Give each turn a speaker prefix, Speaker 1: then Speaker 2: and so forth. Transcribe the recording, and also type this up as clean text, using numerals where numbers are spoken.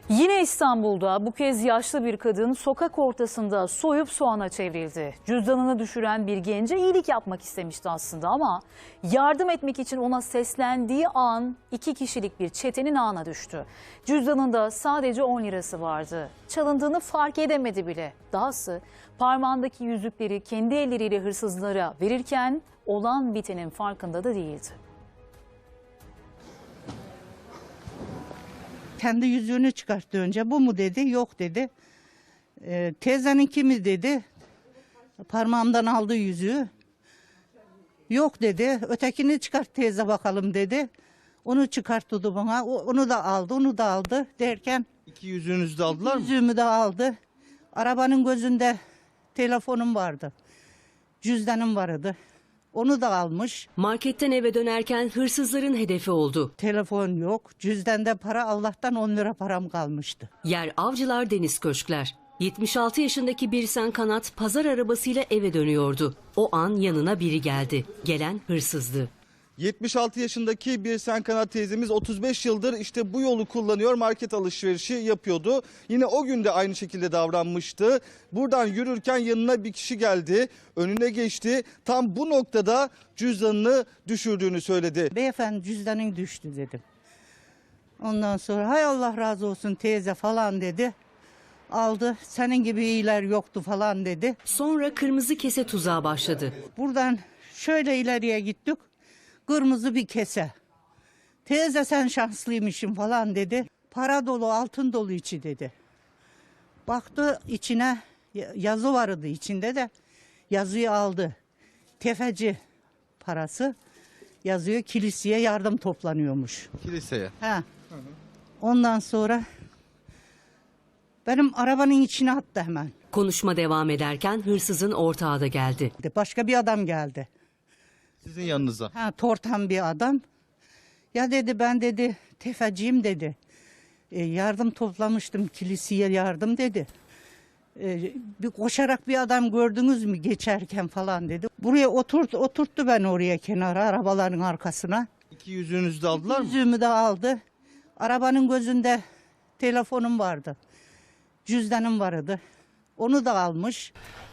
Speaker 1: Yine İstanbul'da bu kez yaşlı bir kadın sokak ortasında soyup soğana çevrildi. Cüzdanını düşüren bir gence iyilik yapmak istemişti aslında ama yardım etmek için ona seslendiği an 2 kişilik bir çetenin ağına düştü. Cüzdanında sadece 10 lirası vardı. Çalındığını fark edemedi bile. Dahası parmağındaki yüzükleri kendi elleriyle hırsızlara verirken olan bitenin farkında da değildi.
Speaker 2: Kendi yüzüğünü çıkarttı önce. Bu mu dedi? Yok dedi. Teyzenin kimi dedi. Parmağımdan aldı yüzüğü. Yok dedi. Ötekini çıkart teyze bakalım dedi. Onu çıkarttı bana. Onu da aldı, onu da aldı derken.
Speaker 3: İki yüzüğünüzü de aldılar mı?
Speaker 2: Yüzüğümü de aldı. Arabanın gözünde telefonum vardı. Cüzdanım vardı. Onu da almış.
Speaker 4: Marketten eve dönerken hırsızların hedefi oldu.
Speaker 2: Telefon yok. Cüzdanda para, Allah'tan 10 lira param kalmıştı.
Speaker 4: Yer Avcılar Deniz Köşkler. 76 yaşındaki Birsen Kanat pazar arabasıyla eve dönüyordu. O an yanına biri geldi. Gelen hırsızdı.
Speaker 3: 76 yaşındaki Birsen Kanat teyzemiz 35 yıldır işte bu yolu kullanıyor, market alışverişi yapıyordu. Yine o gün de aynı şekilde davranmıştı. Buradan yürürken yanına bir kişi geldi, önüne geçti. Tam bu noktada cüzdanını düşürdüğünü söyledi.
Speaker 2: Beyefendi cüzdanın düştü dedim. Ondan sonra hay Allah razı olsun teyze falan dedi. Aldı, senin gibi iyiler yoktu falan dedi.
Speaker 4: Sonra kırmızı kese tuzağı başladı.
Speaker 2: Buradan şöyle ileriye gittik. Kırmızı bir kese. Teyze sen şanslıymışsın falan dedi. Para dolu, altın dolu içi dedi. Baktı içine yazı vardı içinde de yazıyı aldı. Tefeci parası yazıyor, kiliseye yardım toplanıyormuş.
Speaker 3: Kiliseye.
Speaker 2: Ha. Ondan sonra benim arabanın içine attı hemen.
Speaker 4: Konuşma devam ederken hırsızın ortağı da geldi.
Speaker 2: Başka bir adam geldi.
Speaker 3: Sizin yanınıza.
Speaker 2: Ha, tortan bir adam. Ya dedi ben dedi tefeciyim dedi. Yardım toplamıştım kiliseye yardım dedi. Bir koşarak bir adam gördünüz mü geçerken falan dedi. Buraya oturttu ben oraya kenara arabaların arkasına.
Speaker 3: İki yüzüğünüzü de aldılar mı?
Speaker 2: Yüzüğümü de aldı. Arabanın gözünde telefonum vardı. Cüzdanım vardı. Onu da almış.